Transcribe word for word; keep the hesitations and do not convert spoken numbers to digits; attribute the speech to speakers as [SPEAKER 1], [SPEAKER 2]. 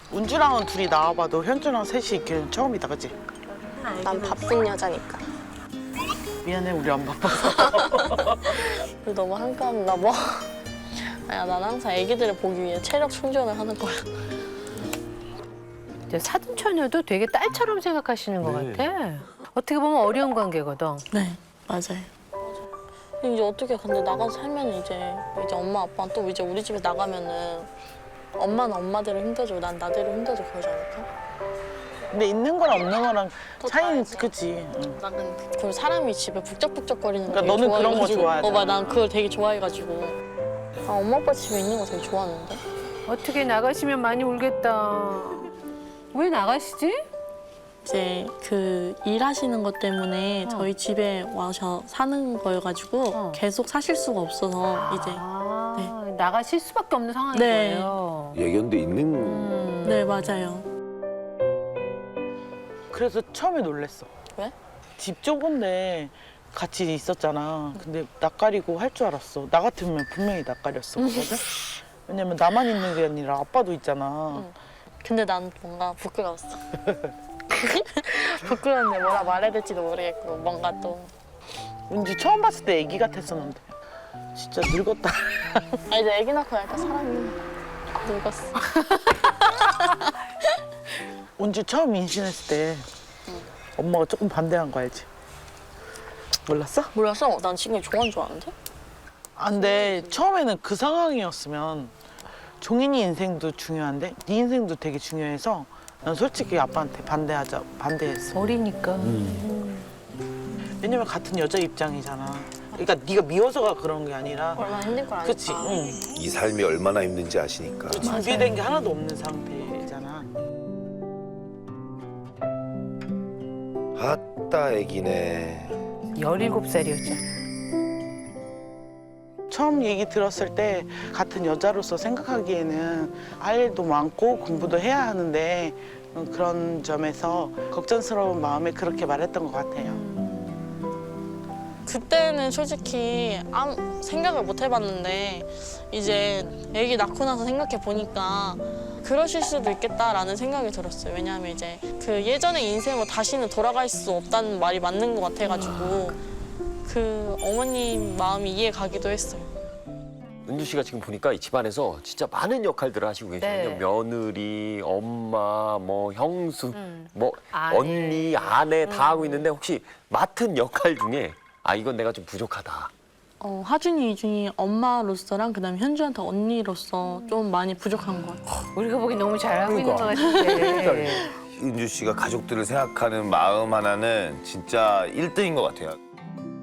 [SPEAKER 1] 은주랑은 둘이 나와봐도 현주랑 셋이 있기는 처음이다, 그치?
[SPEAKER 2] 난 바쁜 여자니까.
[SPEAKER 1] 미안해, 우리 안 바빠서.
[SPEAKER 2] 우리 너무 한가한가 봐. 아니야, 난 항상 애기들을 보기 위해 체력 충전을 하는 거야.
[SPEAKER 3] 이제 사돈처녀도 되게 딸처럼 생각하시는 것
[SPEAKER 4] 네.
[SPEAKER 3] 같아. 어떻게 보면 어려운 관계거든.
[SPEAKER 2] 네, 맞아요. 이제 어떻게 근데 나가서 살면 이제 이제 엄마 아빠는 또 이제 우리 집에 나가면은 엄마는 엄마대로 힘들어지고 난 나대로 힘들어지고 그러지 않을까?
[SPEAKER 1] 근데 있는 거랑 없는 거랑
[SPEAKER 2] 또
[SPEAKER 1] 차이는,
[SPEAKER 2] 다르지.
[SPEAKER 1] 그치? 응.
[SPEAKER 2] 나는 그 사람이 집에 북적북적거리는 거
[SPEAKER 1] 그러니까
[SPEAKER 2] 되게
[SPEAKER 1] 너는 그런 거
[SPEAKER 2] 좋아해가지고.
[SPEAKER 1] 좋아하잖아.
[SPEAKER 2] 어, 맞아. 난 그걸 되게 좋아해가지고. 아, 엄마 아빠 집에 있는 거 되게 좋아하는데?
[SPEAKER 3] 어떻게 나가시면 많이 울겠다. 왜 나가시지?
[SPEAKER 2] 이제 그 일하시는 것 때문에
[SPEAKER 3] 어.
[SPEAKER 2] 저희 집에 와서 사는 거여가지고
[SPEAKER 3] 어.
[SPEAKER 2] 계속 사실 수가 없어서 이제
[SPEAKER 3] 아, 나가실 수밖에 없는 상황인
[SPEAKER 2] 네.
[SPEAKER 3] 거예요.
[SPEAKER 4] 예견돼 있는
[SPEAKER 3] 음.
[SPEAKER 2] 네 맞아요.
[SPEAKER 1] 그래서 처음에 놀랬어.
[SPEAKER 2] 왜?
[SPEAKER 1] 집 좁은데 같이 있었잖아. 근데 낯가리고 할 줄 알았어. 나 같으면 분명히 낯가렸었거든? 왜냐면 나만 있는 게 아니라 아빠도 있잖아.
[SPEAKER 2] 응. 근데 난 뭔가 부끄러웠어. 부끄러운데 뭐라 말해야 될지도 모르겠고 뭔가 또
[SPEAKER 1] 은지 처음 봤을 때 애기 같았었는데 진짜 늙었다.
[SPEAKER 2] 아 이제 애기 낳고 나니까 사람이 늙었어.
[SPEAKER 1] 은지 처음 임신했을 때 엄마가 조금 반대한 거 알지? 몰랐어?
[SPEAKER 2] 몰랐어? 난 지금 좋아하는 줄 아는데?
[SPEAKER 1] 아, 근데 처음에는 그 상황이었으면 종인이 인생도 중요한데 네 인생도 되게 중요해서 난 솔직히 아빠한테 반대하자 반대했어.
[SPEAKER 3] 어리니까.
[SPEAKER 1] 왜냐면 같은 여자 입장이잖아. 그러니까 네가 미워서가 그런 게 아니라
[SPEAKER 2] 얼마나 힘들 걸 아니까.
[SPEAKER 1] 그치? 응.
[SPEAKER 4] 이 삶이 얼마나 힘든지 아시니까.
[SPEAKER 1] 준비된 게 하나도 없는 상태잖아.
[SPEAKER 4] 아따 애기네.
[SPEAKER 3] 열일곱 살이었죠.
[SPEAKER 1] 처음 얘기 들었을 때 같은 여자로서 생각하기에는 할 일도 많고 공부도 해야 하는데 그런 점에서 걱정스러운 마음에 그렇게 말했던 것 같아요.
[SPEAKER 2] 그때는 솔직히 아무 생각을 못 해봤는데 이제 애기 낳고 나서 생각해 보니까 그러실 수도 있겠다라는 생각이 들었어요. 왜냐하면 이제 그 예전의 인생으로 다시는 돌아갈 수 없다는 말이 맞는 것 같아가지고 그 어머님 마음이 이해 가기도 했어요.
[SPEAKER 5] 은주 씨가 지금 보니까 이 집안에서 진짜 많은 역할들을 하시고 계시거든요.
[SPEAKER 3] 네.
[SPEAKER 5] 며느리, 엄마, 뭐 형수,
[SPEAKER 3] 음.
[SPEAKER 5] 뭐
[SPEAKER 3] 아내.
[SPEAKER 5] 언니, 아내 다
[SPEAKER 3] 음.
[SPEAKER 5] 하고 있는데 혹시 맡은 역할 중에 아 이건 내가 좀 부족하다.
[SPEAKER 2] 어, 하준이, 이준이 엄마로서랑 그다음에 현주한테 언니로서 좀 많이 부족한 것 같아요.
[SPEAKER 3] 우리가 보기 너무 잘하고
[SPEAKER 4] 그러니까.
[SPEAKER 3] 있는 것 같은데.
[SPEAKER 4] 은주 씨가 가족들을 생각하는 마음 하나는 진짜 일 등인 것 같아요.